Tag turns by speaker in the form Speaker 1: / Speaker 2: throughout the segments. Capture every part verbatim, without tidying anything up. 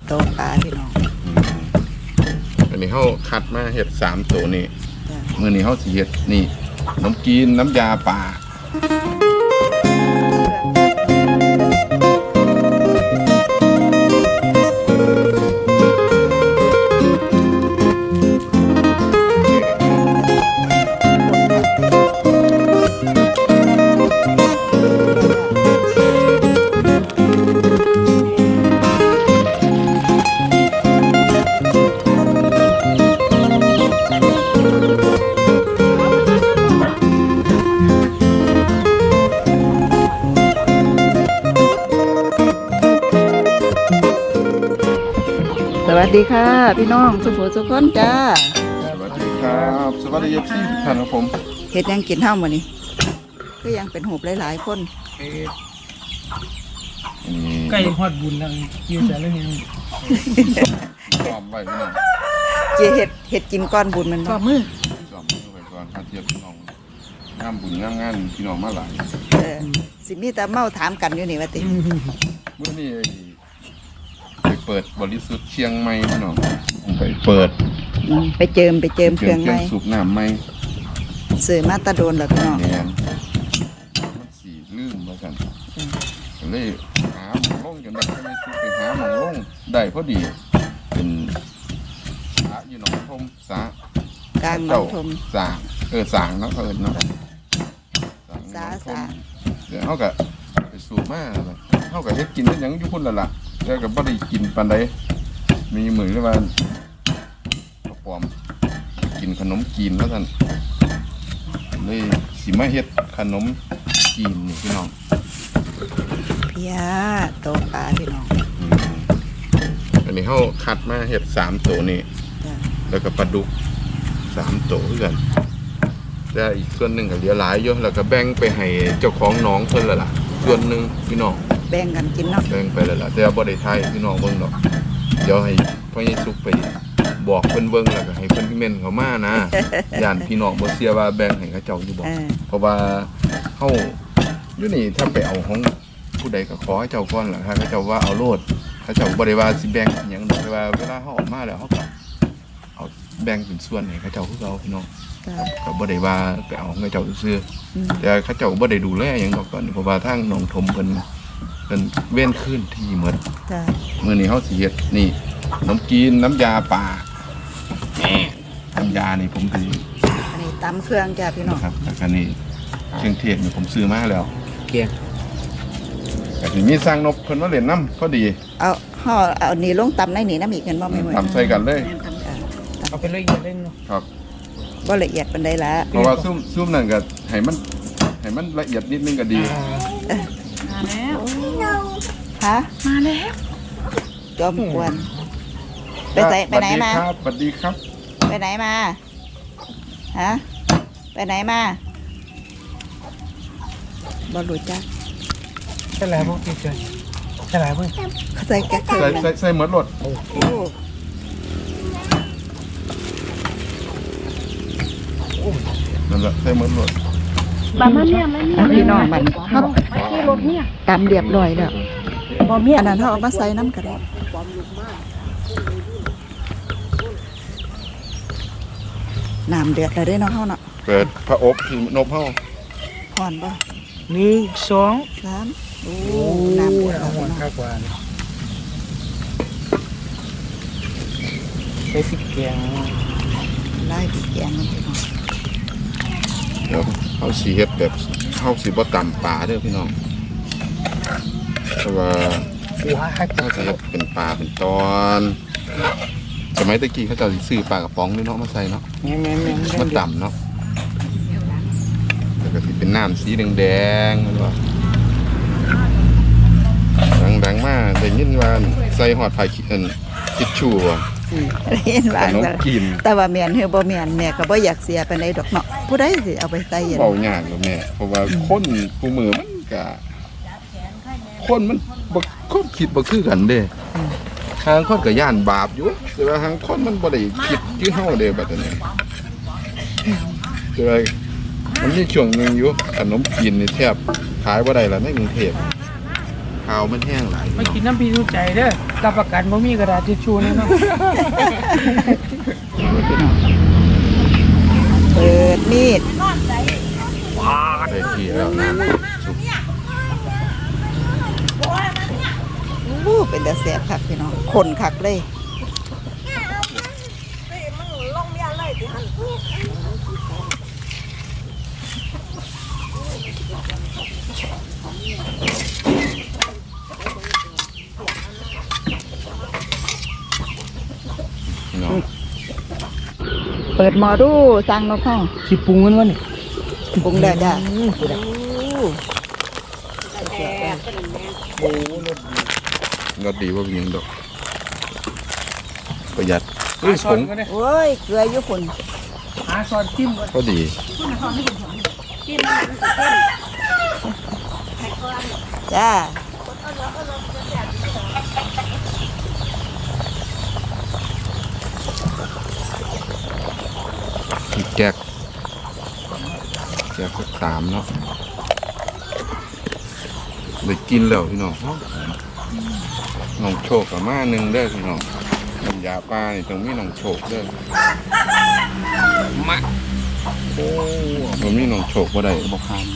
Speaker 1: โต๊ะปลาพี่น้อง
Speaker 2: อันนี้เขาคัดมาเห็ดสามตัวนี่เมื่อนี้เขาสีเห็ดนี่น้ำกินน้ำยาป่า
Speaker 1: สวัสดีค่ะพี่น้องสุขสุขคนจ้า
Speaker 2: สวัสดีครับสวัสดีพี่ท่านครับผม
Speaker 1: เฮ็ดยังกินเท่ามื้อนี้ก็ยังเป็นหูบหลายๆคน
Speaker 3: ใกล้ฮอดบุญแล้วอยู่แต่เรื่องนี้
Speaker 2: จอมไว้พี่น้อง
Speaker 1: เจเฮ็ดเฮ็ดกินก้อนบุญมันก็มือ
Speaker 2: จอมไว้ก่อนข้าเทียบพี่น้องงามบุญงามงานพี่น้องมาหลาย
Speaker 1: เออสิมีแต่เมาถามกันอยู่นี่ว่าติ
Speaker 2: เมื่อนี้ไปเปิดบริสุทธิ์เชียงใหม่พี่น้องไปเปิด
Speaker 1: ไปเจิมไปเจิมเครื่องใหม่
Speaker 2: สูบน้ำใหม่
Speaker 1: ซื้อมาตะโดนแล้วพี่น้อง
Speaker 2: เนี่ยมันสีลืมแล้วกันเลยหาหมองลงจนแบบไม่ซื้อไปหาหมองลงได้พอดีเป็นสาอยู่หนองทมสาก
Speaker 1: ลางหนองทม
Speaker 2: สางเออสางเนาะเขาเอิ้นเนาะ
Speaker 1: สาสา
Speaker 2: เดี๋ยวเขาก็ไปสูบมาเขาก็เฮ็ดกินได้ยังอยู่พุ่นละล่ะแล้วก็บ่ได้กินปานใดมีมือเลยว่าปอมกินขนมจีนแล้วท่านเลยสิมาเฮ็ดขนมจีนนี่พี่น้อง
Speaker 1: เพียโตปลาพี่น้อง
Speaker 2: อันนี้เขาคัดมาเฮ็ดสามตัวนี่แล้วก็ปลาดุกสามตัวเพื่อนแต่อีกส่วนหนึ่งก็เหลือหลายอยู่แล้วก็แบ่งไปให้เจ้าของน้องเพิ่นละล่ะส่วนหนึ่งพี่น้อง
Speaker 1: แบ่งกันกินเนาะ
Speaker 2: แบ่งไปแล้วล่ะแต่บ่ได้ทายพี่น้องเบิ่งดอกเดี๋ยวให้พ่อใหญ่สุกไปบอกเพิ่นเบิ่งแล้วก็ให้เพิ่นพิมพ์เข้ามานะย่านพี่น้องบ่เชื่อว่าแบ่งให้เขาเจ้าอยู่บ่เพราะว่าเฮาอยู่นี่ถ้าไปเอาของผู้ใดก็ขอให้เจ้าก่อนล่ะถ้าเขาเจ้าว่าเอาโลดเขาเจ้าบ่ได้ว่าสิแบ่งหยังดอกแต่ว่าเวลาเฮาออกมาแล้วเฮาก็เอาแบ่งเป็นส่วนให้เขาเจ้าคือเราพี่น้องก็บ่ได้ว่าไปเอาของเขาเจ้าซื่อแต่เขาเจ้าบ่ได้ดูแลหยังดอกตอนนี้เพราะว่าทางหนองถมเพิ่นเป็นเว้นขึ้นที่หมดมื้อนี้เฮาสิเฮ็ดนี่น้ำกินน้ำยาป่าน้ำยานี่ผมถือ
Speaker 1: อันนี้ตำเครื่องจ้ะพี่น้อง
Speaker 2: ครับแล้วก็นี่เครื่องเทศนี่ผมซื้อมาแล้ว
Speaker 3: เกียง
Speaker 2: แต่ทีมีสร้างนกเพิ่นมาเล่นน้ำพอดี
Speaker 1: เอาห่อเอานี่ลงตำในนี่น้ำอีกกันบ่ไม่หมด
Speaker 2: ตำใส่กันเลย
Speaker 3: เอาไปละเอียดเล่นเนาะ
Speaker 2: ครับ
Speaker 1: บ่ละเอียดปานใดละ
Speaker 2: เพราะว่าซุ่มซุ่มนั่นก็ให้มันให้มันละเอียดนิดนึงก็ดี
Speaker 4: มาแล้ว
Speaker 1: ฮะ
Speaker 4: มาแล้ว
Speaker 1: จอมกวนไปไหนไปไหนมา
Speaker 2: สวัสดีครับ
Speaker 1: ไปไหนมาฮะไปไหนมาบอลลูจ้า
Speaker 3: ใช่แล้วพวกพี่เจอใช่แล้วพวก
Speaker 1: ใส่แกะ
Speaker 2: ใส่ใส่ใส่เหมือนรถ
Speaker 1: โอ้
Speaker 2: นั่นแหละใส่เหมือนรถ
Speaker 4: บ้านเนี่ยไม่เนี่ย
Speaker 1: พี่น้องมัน
Speaker 4: เขาที่รถเนี่ย
Speaker 1: ตำเรียบร้อยแล้วบอเมียอันนั้นเขาเอามาใส่น้ำกันน้ำเดือดเลยได้เนาะเขาเนาะ
Speaker 2: เปิดพระอบที่นบเขา
Speaker 1: ห่อนป่ะ
Speaker 3: หนึ่งสอง
Speaker 1: สามโอ้น้ำเดือด
Speaker 3: ห่อนข้าวกว่าใส่พริกแกง
Speaker 1: ไล่พริกแกงมันพี่น้อง
Speaker 2: เดี๋ยวเขาสีเฮ็ดแบบเขาสีบ่ต่ำปลาเด้อพี่น้องเพราะว่าเขาจะเป็นปลาเป็นตอนสมัยตะกี้เขาจะซื้อปลากระป๋องนี่เนาะมาใส่เนาะมันต่ำเนาะแล้วก็เป็นน้ำสีแดงๆมันว่าดังๆมากแต่ยินว่าใส่หอดไผ่คิดคิดชูอ่ะ
Speaker 1: เห็นว่าแต่ว่าเมียนเฮอบ่เมียนแม่ก็บ่อยากเสียไปในดอกเนาะผู้ใดสิเอาไปใส่
Speaker 2: เบายากเลยแม่เพราะว่าคนผู้มือมันก็คนมันบ่คนคิดบ่คือกันเด้ทางคนก็ย่านบาปอยู่แต่ว่าทางคนมันบ่ได้คิดคือเฮาเด้บัดนี้แต่ว่ามันมีช่วงนึงอยู่ขนมจีนนี่แทบขายบ่ได้แล้วในกรุงเทพข้าวมันแห้งหลาย
Speaker 3: ไม่กินน้ำพริกรู้ใจเด้อกับประกันบ่มีกระดาษทิชชู่นี่เนาะ
Speaker 1: เปิดมีด
Speaker 2: ได้ที่แล้วน้ำซุป
Speaker 1: อู้เป็นแต่แซ่บคักพี่น้องคนคักเลย
Speaker 2: พี่น้อง
Speaker 1: เปิดหมอดูสั่งนกเข้า
Speaker 3: สิปรุงมันวะนี่
Speaker 1: ปรุงแล้วจ้ะ
Speaker 2: รสดีว่าเป็นหยังดอกประหยัดเฮ้ย
Speaker 3: หา
Speaker 2: ผ
Speaker 3: ช้อน
Speaker 2: ง
Speaker 3: ก็ได้
Speaker 1: โอ้ยเกลืออยู่ฝุ่น
Speaker 3: หาช้อนจิ้มก็
Speaker 2: ก็ดี
Speaker 1: จ้า
Speaker 2: อีกแก๊กแก๊กสักสามเนาะได้กินแล้วพี่น้องน้องโชคกับมาหนึ่งเด้อพี่น้องน้ำยาปลานี่ต้องมีน้องโชคเด้อมาโอ้มันมีน้องโชคบ่ได้บ่คามเลย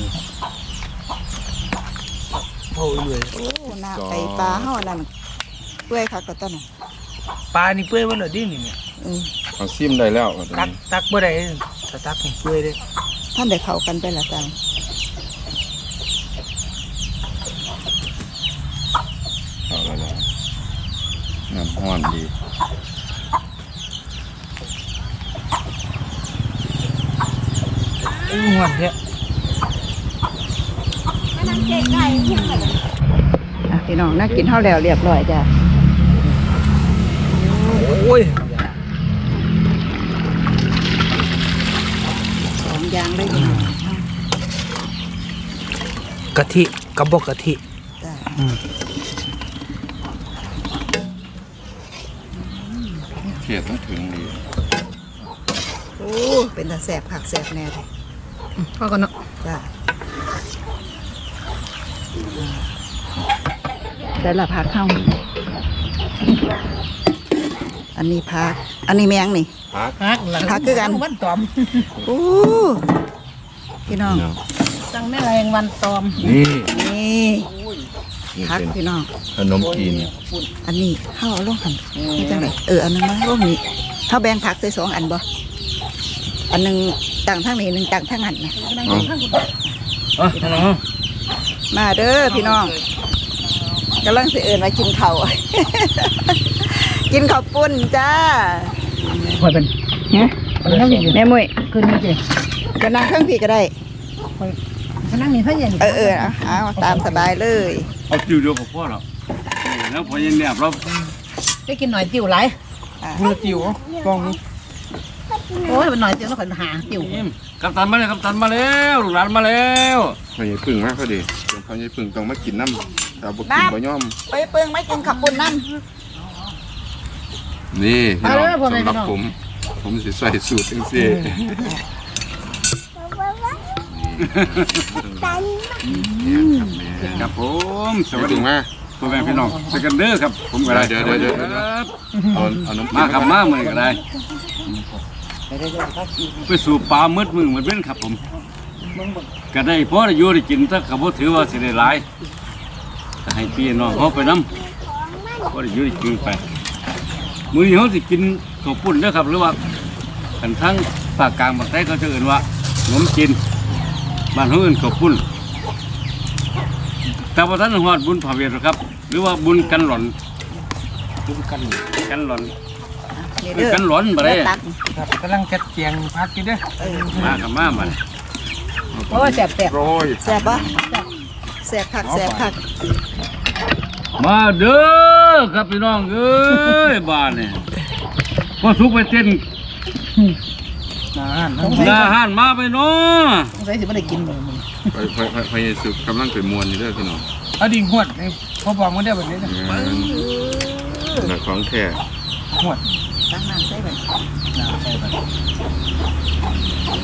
Speaker 3: โอ้ยเลย
Speaker 1: โอ้หน้าไปปลาเฮานั่นเปื่อยคักก็ต้นน่ะ
Speaker 3: ปลานี่เปื่อยบ่เหรอดินี่เนี่ย
Speaker 1: อืม
Speaker 2: เอาซิมได้แล้วตอน
Speaker 3: ตัก
Speaker 2: นี้
Speaker 3: ตักบ่ได้ถ้าตักนี่เปื่อยเด้
Speaker 1: ท่านได้เข้ากันไปละจ้า
Speaker 2: เอาแล้วล่ะน้ำห้อนดี
Speaker 3: อู้หวานแท้
Speaker 1: อ่ะพี่น้องน่ากินเฮาแล้วเรียบร้อยจ้ะ
Speaker 3: โอ้ย
Speaker 1: สองอย่างเลยพี่น้อง
Speaker 3: กะทิกับบ่กะทิ
Speaker 1: จ้ะ
Speaker 2: เขียดต้องถึงดี
Speaker 1: โอ้เป็นตาแซ่บคักแซ่บแน่เลย
Speaker 4: พอกันเนาะ
Speaker 1: จ้ะได้ละผักเข้าอันนี้ผักอันนี้แมงนี่
Speaker 2: พัก
Speaker 4: ฮักหลัง
Speaker 1: ฮักคือกัน
Speaker 4: วันตอม
Speaker 1: โอ้พี่น้อง
Speaker 2: เนาะ
Speaker 4: สั่งแม่แรงวันตอม
Speaker 2: นี่
Speaker 1: นี่
Speaker 2: นี่
Speaker 1: ผัก
Speaker 2: เป็น
Speaker 1: พี่น้อง
Speaker 2: ขนมจีน
Speaker 1: อันนี้เข้าเอาลงหันนี่จังไหนเอออันนึงมาลงนี้เข้าแบ่งผักใส่สองอันบ่อันหนึงต่างทางนี้หนึ่งต่างทางหันนะ
Speaker 2: เอา
Speaker 3: อ๋อน้อง
Speaker 1: มาเด้อพี่น้องกำลังสิเอิญมากินข้าว กินข้าวปุ้นจ้า
Speaker 3: ค่อยเป็น
Speaker 1: ฮะแม่มุ้ย
Speaker 4: คืนนี้เจ๊
Speaker 1: จะนั่งเครื่องพี่ก็ได้
Speaker 4: ฉันนั่งนี่เพื่อน
Speaker 1: เออเออเอาเอาตามสบายเลย
Speaker 5: เอาติวเดียวกับพ่อหรอกแล้วพอยังเนี่ยเรา
Speaker 4: ได้กินหน่อยติ๋วไร
Speaker 1: อ่ะ
Speaker 3: มือติ๋วกอง
Speaker 4: โอ้ยเป็นหน่อยติ๋วแล้วก็หาติ๋ว
Speaker 5: กัปตันมาเลยกัปตันมาแล้วลูกหลานมาแล้ว
Speaker 2: พอใหญ่พึ่งมากก็ดีพอใหญ่พึ่งต้องมากินน้ำแต่บ่กินบ่ย่อม
Speaker 1: ไปเปิงไม่กินข้าวปุ้นนั่น
Speaker 2: นี่พี่น้องสำหรับผมผมสิใส่สูตรจังซี่นี่ครับแม่
Speaker 5: ครับผมส
Speaker 2: สวั
Speaker 5: วั
Speaker 2: ส
Speaker 5: ส
Speaker 2: ดี
Speaker 5: ดี
Speaker 2: มา
Speaker 5: พ่อแม่พี่น้องสกันเด้อครับผมก็ได้
Speaker 2: เดี๋ยวเดี๋ยวเดี๋ยว
Speaker 5: ครับ
Speaker 2: เอาเอาน้ำ
Speaker 5: มาครับมาเมื่อนี้ก็ได้ไปสู่ปลามืดมือเหมือนเบ้นครับผมก็ได้พอได้อยู่ได้กินถ้าเขาบ่ถือว่าสิได้หลายก็ให้พี่น้องเขาไปน้ำพอได้อยู่ได้กินไปมื้อนี้เขาสิกินข้าวปุ้นเด้อครับหรือว่ากันทั้งภาคกลางภาคใต้เขาจะเอ่นว่าขนมจีนบ้านเขาเอ่นข้าวปุ้นแต่ว่าท่านหอดบุญผาเวทหรอกครับ หรือว่าบุญกันหล่อนบุญกันกันหล่อน
Speaker 1: นี่
Speaker 5: บุ
Speaker 1: เด้
Speaker 5: ญ
Speaker 1: อ
Speaker 5: กันหล่อนบ่ได้
Speaker 1: ตัก
Speaker 3: ครับกำลังจัดเกียงพักกินเด้อ
Speaker 5: มากับมาบัด
Speaker 4: โอ้ยแสบแสบ
Speaker 2: โรย
Speaker 1: แซ่บปะแซ่บคักแซ่บคัก
Speaker 5: มาเด้อครับพี่น้องเอ้ยบ้านนี่พอสุกไปเต้น
Speaker 3: อาหาร
Speaker 5: หน้าห้านมาไปเนาะ
Speaker 4: ใส่สิไม่ได้กินเลยมึง
Speaker 2: ไปไปไปไปสุกกำลังไปมวนอยู่เด้อพี่น้อง
Speaker 3: เอาดิ่งหวดนี่พอบอกมันได้แบบนี้นะ
Speaker 2: แบบของแท้
Speaker 3: หวด
Speaker 1: ตักน้ำใส่ไป
Speaker 3: น้ำใส่ไป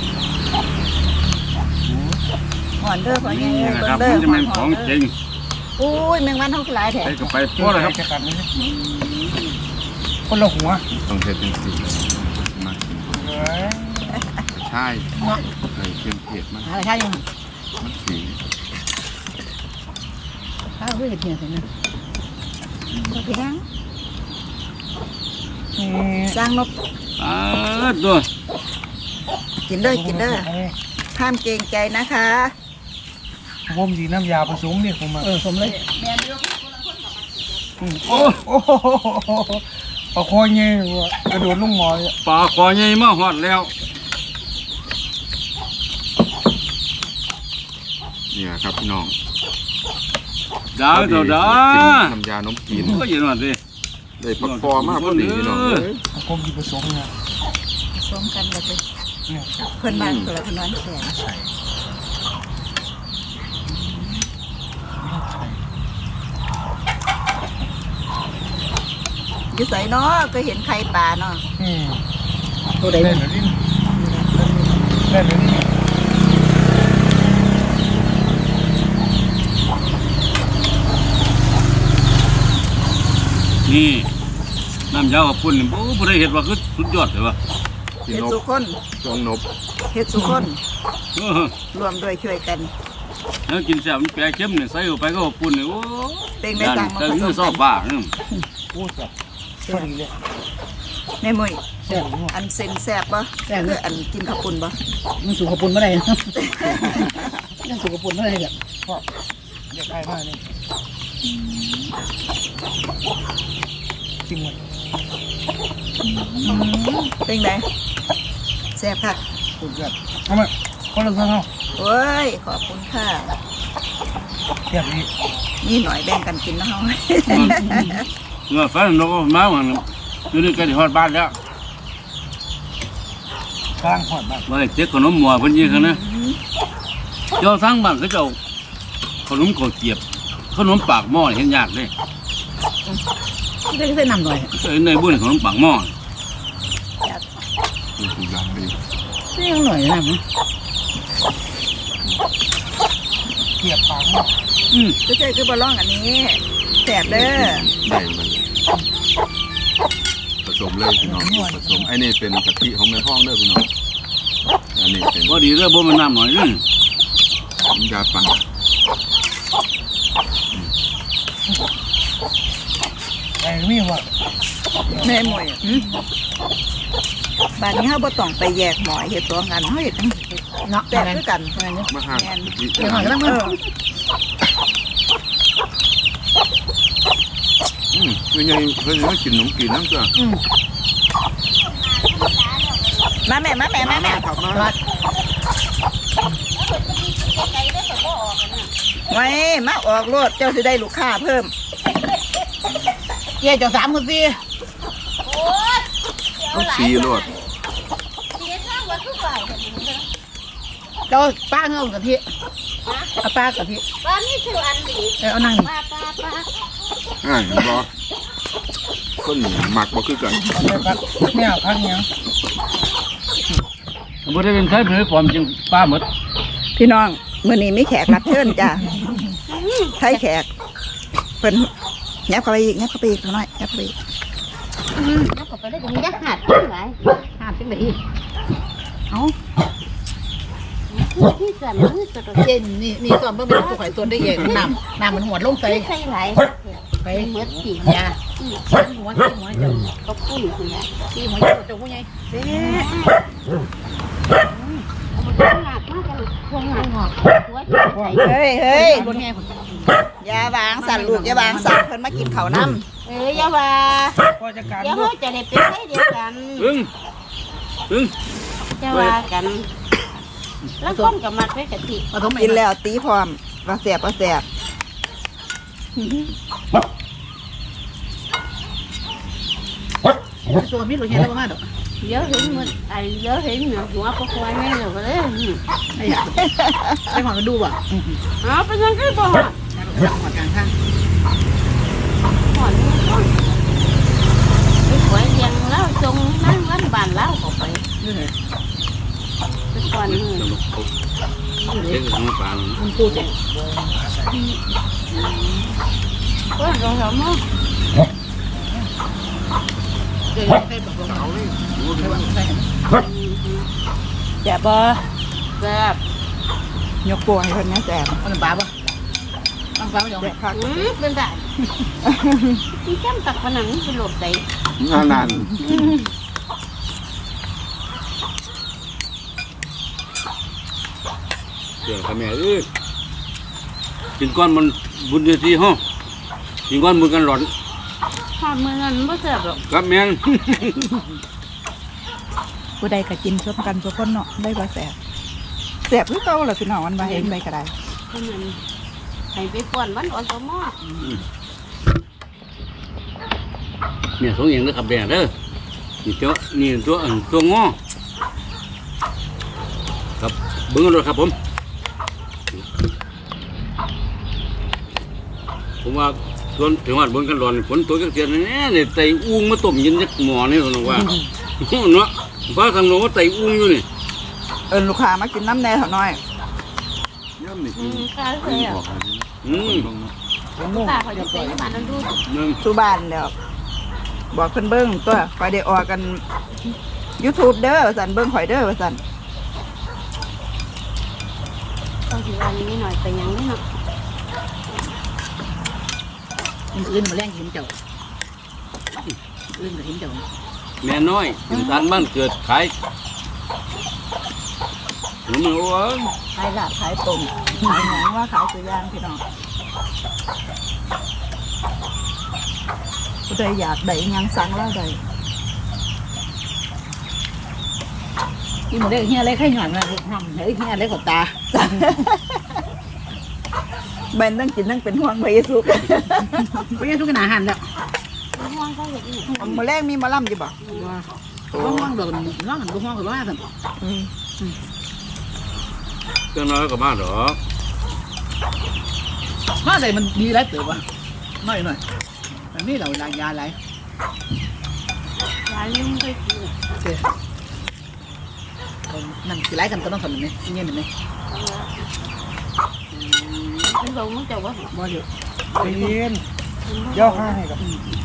Speaker 1: หอนเด้อขอเงี้ย
Speaker 5: นี่
Speaker 1: เบิ่
Speaker 5: นะครับ
Speaker 1: งเด้
Speaker 5: มั
Speaker 1: อน
Speaker 5: จะเป็นของจริง
Speaker 1: โอ้ยแมงวันเท่าหลายแถ
Speaker 5: ไปก็ไปพอแล้วครับ
Speaker 3: จะกัดเลยคนละหัว
Speaker 2: ต้องเฮ็ดเป็นสีมากิน
Speaker 3: เฮ้ย
Speaker 2: ใช่เลยเค็มเผ็ดมัน
Speaker 4: อะไรใช่ยัง
Speaker 2: มันสี
Speaker 4: ข้าวเพื่อเห็ดเนี่ยเห็นไหม
Speaker 1: ก็เพียง
Speaker 3: อืม
Speaker 1: สร้างนก
Speaker 5: อ่าตัว
Speaker 1: กินเด้อกินเด้อห้ามเกรงใจนะคะ
Speaker 3: ผมสีน้ำยาผสมเนี่ยผมมา
Speaker 4: เออสมเลย
Speaker 5: โอ้
Speaker 3: โอ้โหเอาคอเงี้ยวะกระโดดลงหมอเลย
Speaker 5: ปลาคอใหญ่มาฮอดแล้ว
Speaker 2: เนี่ยครับพี่น้อง
Speaker 5: ดาวเจ้าดา
Speaker 2: น้ำยานมจีน
Speaker 5: ก็เย็นหน่อยดิ
Speaker 2: ได้ปักคอมากพอดีพี่น้องเอ้ย
Speaker 3: เอาผมสีผสมเนี่ย
Speaker 1: ผสมกันเลย
Speaker 3: เนี่ย
Speaker 1: เพิ่นบ้านคนละคนน้อยแขน
Speaker 3: ใส่
Speaker 1: อยู่ใส่เนาะก็เห็นไข่ปลาเนาะ
Speaker 3: อืม
Speaker 4: ตัวใด
Speaker 3: เล่
Speaker 4: เนี่ย
Speaker 3: นหรือนี่เล่นหรือนี่
Speaker 5: นี่น้ำยากับปุ่นนี่โอ้บ่ได้เห็ดว่าคือสุดยอดเลยว่ะ
Speaker 2: พี่
Speaker 1: เฮ็ด
Speaker 2: นก
Speaker 1: สุคน
Speaker 2: ช่วงนบ
Speaker 1: เฮ็ดสุคน
Speaker 5: เออ
Speaker 1: รวมด้วยช่วยกัน
Speaker 5: แล้วกินแซ่บมันแปรเข้มเนี่ยใส่เข้าไปก็กับปุ่นนี่โอ้
Speaker 1: เป็นได้สั่งมา
Speaker 5: แต่
Speaker 1: ผส
Speaker 5: นี่
Speaker 1: ม
Speaker 5: ซอ
Speaker 1: กับ น
Speaker 5: บ้านี่
Speaker 3: โอ้จับพอดีเลย
Speaker 1: แม่มุ้ย
Speaker 4: แซ่บ
Speaker 1: อันเซนแซ่บบ่
Speaker 4: แซ่บ
Speaker 1: คืออันกินข้าวปุ้นบ่
Speaker 4: มันสูงกระปุนไม่ได้ยังสูงกระปุนไม่ได้แบบ
Speaker 3: ก็อยากได้มากเลยจริงหมด
Speaker 1: เป็นไงแซ่บค่ะ
Speaker 3: สุดยอดเอามาคนละเท่าเนาะ
Speaker 1: โอ้ยขอบคุณค่ะ
Speaker 3: เทียบนี้
Speaker 1: นี่หน่อยแบ่งกันกินนะเฮา
Speaker 5: เงื่อฟันนกมามันอยู่นี่ก็ได้ฮอดบ้านแล้ว
Speaker 3: กลางหอดมาก
Speaker 5: ว่าได้เจ๊ขนมหมัวเพิ่นยิงกันนะเจ้าทั้งบ้านเขาเจ้าขนมข้าวเกียบขนมปากหม้อเห็นยากเลย
Speaker 4: ได้ได้นำหน่อย
Speaker 5: เอ้ยในบุญขนมปากหม้อ
Speaker 2: คือทุกอย่างดี
Speaker 4: ได้ยังหน่อยนะมั้ง
Speaker 3: เทียบปากมาก
Speaker 5: อืม
Speaker 1: ก็ใช่คือบ่ร้องอันนี้แซ่บเด้อ
Speaker 2: ได้มันผสมเลยพี่น้องผสมไอ้นี่เป็นกะทิของแม่พ่องเด้อพี่น้องอันนี้เป็น
Speaker 5: พอดีเด้อบ่มันน้ำหน่อยนึง
Speaker 2: น้ำยาปั่น
Speaker 3: ไอ้นี่ว่า
Speaker 1: แม่มุ้ยบ้านนี้เฮาบ่ต้องไปแยกหมอเฮ็ดตัวงานเฮาเฮ็ด
Speaker 4: เนาะ
Speaker 1: แซ่บคือกัน
Speaker 2: มาหากะทิ
Speaker 4: เดี๋ยวหน่อยก็ต้อง
Speaker 1: เอ
Speaker 4: มา
Speaker 1: อ
Speaker 2: อืมคือไงเพิ่นมากินขนมกินน้ำจ้ะ
Speaker 4: อืม
Speaker 1: มาแม่มาแม่มาแม่
Speaker 2: ครับมา
Speaker 4: รัด
Speaker 1: ไว้มาออกรถเจ้าสิได้ลูกค้าเพิ่ม
Speaker 4: เกี่ยเจ้าสามคนสิ
Speaker 2: ต้องซีรวด
Speaker 4: เจ้าป้าเงากะทิเอาป้ากะทิ
Speaker 6: บ้านนี่คืออันดี
Speaker 4: เออเอานั่ง
Speaker 6: ป้าป้าป้า
Speaker 2: อ่าเห็นบ่คนหมักบ่คือกัน
Speaker 3: ไม่พักไม่เอาพักเนี้ย
Speaker 5: บ่ได้เป็นไทยเป็นความจริงป้าหมด
Speaker 1: พี่น้องมื้อนี้มีแขกรับเชิญจ้ะไทยแขกเพิ่นแยบเข้าไปอีกแยบเข้าไปอีกหน่อยแยบเข้าไปอีก
Speaker 6: แล้วก็ไปได้ถึงยักษ์หัดขึ้นไหล
Speaker 4: ห้ามจังได๋
Speaker 1: เอ้า
Speaker 6: ที่ส่วนมือตัวตัว
Speaker 4: เย็นนี่นี่ตอนเบิ่งเป็นตัวข่อยตัวได้เย็นน้ำน้ำมันหัวลงใส่
Speaker 6: ใส่ไหล
Speaker 4: ไป
Speaker 6: เมื่อกี่
Speaker 4: ยาหัวหัวเจ้า
Speaker 6: ก็ปุ้นคุณนะ
Speaker 4: ที่หัวเจ้าเจ้าผู้ใหญ่เด้
Speaker 6: หนักมากเลยพวงหนักหัวใส่
Speaker 1: เฮ้ยเฮ้ย
Speaker 4: รถแห่คน
Speaker 1: อย่าวางสั่นลูกอย่าวางสั่นเพิ่นมากินข้าวน้ำ
Speaker 6: เอ้ยอย่าว่า
Speaker 3: ก็จะการ
Speaker 6: อย่า
Speaker 3: ลู
Speaker 6: ว่าก จะได้เป็นไส้เดียวกัน
Speaker 5: อึ้งอึ้ง
Speaker 6: จะว่ากัน แล้วคนกับมัดไว้กะทิ
Speaker 4: ผสม
Speaker 1: กินแล้วตีพร้อมว่าแซ่บว่าแซ่บ
Speaker 4: ส่วนมีรถแห่แล้วบ่มาดอก
Speaker 6: เยอะเห็นมันไอ้เยอะเห็นเหนือหัวก็ควายแม่เหนือก็เลย
Speaker 4: ไอ้หยาไอ้หอนก็ดูบ่
Speaker 6: อ๋อเป็นยังไงบ่
Speaker 4: จับหอดกลางข้าง
Speaker 6: หอนไปขวายเลี้ยงแล้วจงนั่งวันบานแล้วออกไป
Speaker 4: นี่ไง
Speaker 6: ไปก่อน
Speaker 5: เจ๊ขนมปาก
Speaker 4: มันพูดเอง
Speaker 6: เเพิ่นลงแล้วมั้ง
Speaker 4: เดี๋ยวใส่แบบเขาเลยใส่แบบใส่
Speaker 1: แซ่บบ่
Speaker 6: แซ่บ
Speaker 1: ยกโป้ให้เพิ่นนะแซ่บ
Speaker 4: เอาน้ำปลาป่ะน้ำปลาไม่ยอม
Speaker 1: แซ่บคัก
Speaker 6: อืมเป็นได้ที่จ้ำตักผนังเป็นหลบใส่
Speaker 2: งานนั่น
Speaker 5: เดี๋ยวข้าแม่เอ้ยกินก้อนมันบุญเดียวทีห้องกินก้อนมือกันหลอน
Speaker 6: ทอดมือนั้นไม่แซ่บหรอก
Speaker 5: ครับแม่น
Speaker 1: ผู้ใดก็กินส้มกันทุกคนเนาะได้บ่แซ่บแซ่บคือเก่าล่ะพี่น้องมันบ่เห็นไปก็ได้
Speaker 6: เพราะมันให้ไปป้อนวันอ่อนตัวหม้อ
Speaker 5: เนี่ยสองอย่างเด้อครับแม่เด้อนี่ตัวนี่ตัวอันตัวงอครับเบิ้งกันเลยครับผมผมว่าส่วนถึงว่าเบิ้งกันร้อนฝนตัวเสียๆเนี่ยเนี่ยไตอุ้งมาต้มเย็นจักหม้อนี่ผมว่าเนาะเพราะทางโน้นว่าไตอุ้งอยู่นี่
Speaker 1: เอิ้นลูกค้ามากินน้ำแน่เท่าน้อย
Speaker 2: ย่ำนี่
Speaker 6: อืมข้าวเลยอ่ะ
Speaker 5: อืม
Speaker 6: ตาเขาจะใส่มานั่นดู
Speaker 5: นึง
Speaker 1: สู่บ้านแล้วบอกเพิ่นเบิ่งตัวข่อยได้ออกกัน YouTube เด้อว่าซั่นเบิ่งข่อยเด้อว่าซั่น
Speaker 6: ต้องถือวันนี้หน่อยแต่ยังไม่หน่อย
Speaker 4: มันอื่นมาแรงหินเจ้าอื่นกับหินเจ้า
Speaker 5: แม่น้อยถึงทานบ้านเกิดขายขนมโอ้ย
Speaker 1: ขายลาบขายต้มขายหยังว่าขายตัวอย่างพี่น้องผู้ใดอยากได้อิหยังสั่งแล้วได้
Speaker 4: นี่มันเล็กเฮียเล็กให้หย่อนมาทำเฮ้ยเฮียเล็กกว่าตา
Speaker 1: แม่นตั้งกินตั้งเป็นห่วงพระเยซู
Speaker 4: ไม่ใช่ทุกขนาดหันแล้ว
Speaker 6: ห่วงเขาเห็นนี่
Speaker 1: มื้อแรกมีหมอลำอยู่บ่
Speaker 4: ห้องห้องโดนห้องหันห้องกับว่าสัน
Speaker 1: อืม
Speaker 5: เครื่องน้อยก็มาดอก
Speaker 4: ว่าอะไรมันดีแล้วเต๋อวะน้อยหน่อยแต่นี่เราลายยาอะไร
Speaker 6: ยายลืมไปกิน
Speaker 4: โอเคนั่นสิไล่กันก็ต้องทำแบบนี้เงี้ยแบบนี้
Speaker 6: เป็นลงมันจะว่า
Speaker 3: บ่อยู่เย็นย่อข้างให้กับ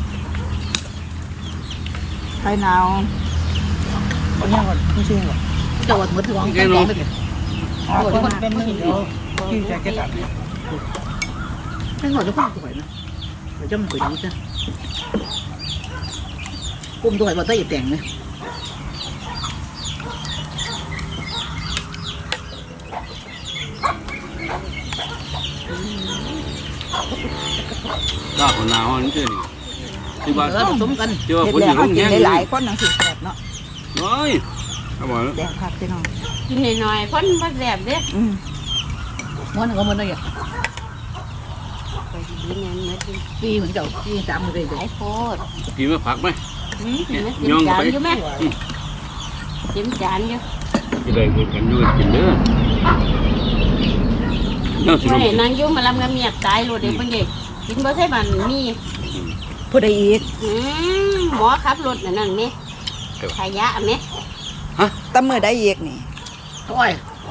Speaker 1: ไข่หนาว
Speaker 3: เอาย่างก่อนไม่ใช่หรอก
Speaker 4: จะวัดมือถือของแกงเลย
Speaker 3: อ่าคนเป็นหนึ่งเดียวที่จะเก็บตัด
Speaker 4: แค่หน่อยจะฟังตัวนะเดี๋ยวจะมันสวยดีจ้ะปุ่มตัวไหนบ่ได้แต่งเลย
Speaker 5: ก้าวคนหนาวนี่เจ้านี่ที่ว่า
Speaker 4: แล้วผสมกัน
Speaker 5: ที่ว่า
Speaker 1: เฮ็ด
Speaker 5: คนอ
Speaker 1: แล้ว
Speaker 5: ยู่โร
Speaker 1: เขา
Speaker 5: ง
Speaker 1: กิ
Speaker 5: แร
Speaker 1: น
Speaker 5: ม
Speaker 1: ได้หลายคนจังสิแซ่บเนาะ
Speaker 5: น้อยครับผม
Speaker 1: แซ่บคักพี่น้อง
Speaker 6: กินหน่อยๆพ่นมาแซ่บเด้
Speaker 1: อืม
Speaker 4: ม้วนก็ม้วนได้ยัง
Speaker 6: ไปกินเนี่ยมากิน
Speaker 4: ปีเหมือนเก่าปีสามเลย
Speaker 6: หลายโคตร
Speaker 5: พี่มาผักไหม
Speaker 6: อืมกินจานอยู่ไหมกินจานอยู่
Speaker 5: จะได้คุยกันอยู่กินเด้อน่าสิ
Speaker 6: ไม่
Speaker 5: รู้
Speaker 6: นางยุ่มาลำกระเมียดตายโลดเด็กเพิ่งเด็กกินบ่ใช่บันมี
Speaker 1: ผู้ใดอีก
Speaker 6: อืมหมอขับรถนั่นนั่นนี่ขยะไหม
Speaker 1: ตำมือได้อีกนี่
Speaker 4: โอ้ย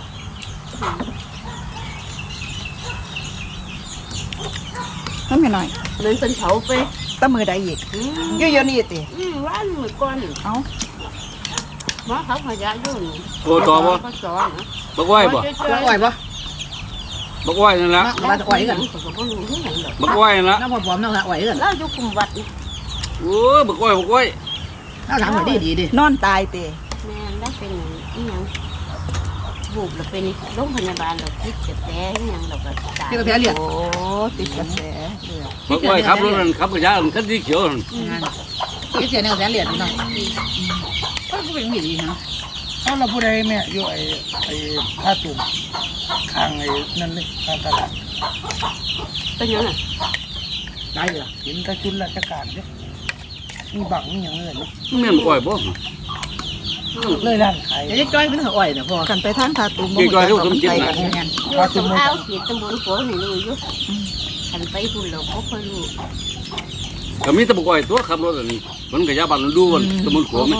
Speaker 1: เพิ่นไม่น้อย
Speaker 6: เหมือนเป็นเผาไป
Speaker 1: ตำมือได้อีก
Speaker 6: อืม
Speaker 1: อยู่เดี๋ยวนี้ติ
Speaker 6: อืมร้านมือก่อน
Speaker 1: เอ้า
Speaker 6: หมอขับขยะอยู่นี่
Speaker 5: โอ้ต่อบ่
Speaker 6: ก็สอนนะ
Speaker 5: บักไหว้บ่
Speaker 4: แล้วอ่อยปะ
Speaker 5: บักไหว้นั่นละ
Speaker 4: มาจะอ่อยกัน
Speaker 6: ก็บ่รู้ที่ไหนหรอก
Speaker 5: บักไหว้นั่นละ
Speaker 4: น้ำมันปลอมน้ำละอ่อยกัน
Speaker 6: เราอยู่คุมวัดนี่
Speaker 5: โอ้บักไหว้บักไหว้
Speaker 4: น้ำถามหน่อยดีดีดิ
Speaker 1: นอนตายติ
Speaker 6: แม่ได้เป็นอย่างอีหยังบุบแล้วเป็นโรงพยาบาลเราคิดจะแท้อีหยังเราก็ตาย
Speaker 4: ที่กระเพาะเลือด
Speaker 1: โอ้ติดกระแสเลือด
Speaker 5: บักไหว้ขับรถนั่นขับกระยาคันสีเขียวนั่น
Speaker 4: งานที่เสียในกระแสเลือดน้องก็เป็นมีดีนะ
Speaker 3: ถ้าเราพูดอะไรแม่อยู่ไอ้ไอ้ผ้าตุ่มข้างไอ้นั่นเลยข้างตลาด
Speaker 6: เป็นยังไง
Speaker 4: ได้เลย
Speaker 3: เห็นกระจุนราชการเนี่ยมีบังมีอย่างเลยเนี่ย
Speaker 5: แม่นบักไหว้บ่
Speaker 3: เลยร้านขาย
Speaker 4: เดี๋ยวจะจ้อยเป็นหัวอ่อยนะพ่อ
Speaker 1: กันไปทางทาตุม
Speaker 5: เกี่ยวกับลูกสมจิต
Speaker 1: ไป
Speaker 5: นะ
Speaker 1: กัน
Speaker 4: งาน
Speaker 6: อยู่ตรงเอาขีดตำบลโขนี่รู้อยู่ขันไปคุณเราก็ค่อยรู้
Speaker 5: ก็มีแต่บักไหว้ตัวขับรถอันนี้มันกระยาบ้านมันดูวันตะมุนขัวไหม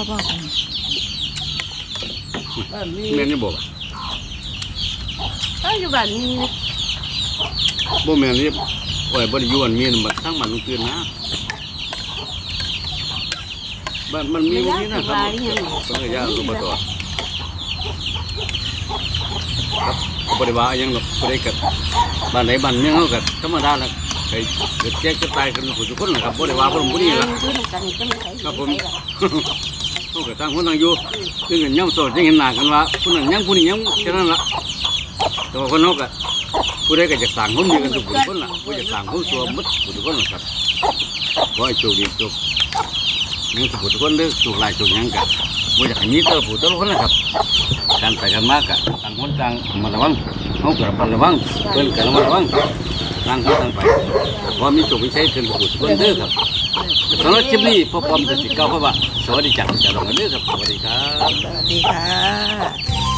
Speaker 6: เออมี
Speaker 5: แม่นนี่บ่
Speaker 6: ก็อยู่บ้านมี
Speaker 5: บ่แม่นนี่โอ้ยบ่ได้อยู่อันมีนมันทั้งมันลงคืนนะบ้านมันมีบ่มีนะครับต้องย่างลงมาต่อครับบ่ได้ว่าหยังหรอกบ่ได้กับบ้านไหนบ้านเมืองเฮาก็ธรรมดาล่ะไอ้เกิดแก่ก็ตายกันทุกคนนะครับบ่ได้ว่าบ่รู้บ่นี่ล่ะครับผมเฮาก็ต่างคนต่างอยู่คือกันย่ำโสดยังเห็นหน้ากันว่าผู้นั้นยังผู้นี้ยังแค่นั้นล่ะแต่ว่าคนเฮาก็ผู้ใดก็จะสั่งคนดีกันทุกคนล่ะบ่จะสั่งคนชั่วหมดทุกคนล่ะครับขอให้โชคดีโชคยังทุกคนเด้อโชคหลายโชคหยังก็บ่อยากให้มีแต่ผู้แต่ละคนนะครับการไปกันมากก็ต่างคนต่างมาระวังเฮาก็ระมัดระวังเพิ่นก็ระมัดระวังต่างคนต่างไปเพราะมีโชคมีชัยกันทุกคนเด้อครับสำหรับคลิปนี้พ่อปอมจะสิเก้าเพราะว่าสวัสดีจากจากเราเด้อครับสวัสดีครับ
Speaker 1: สวัสดีค่ะ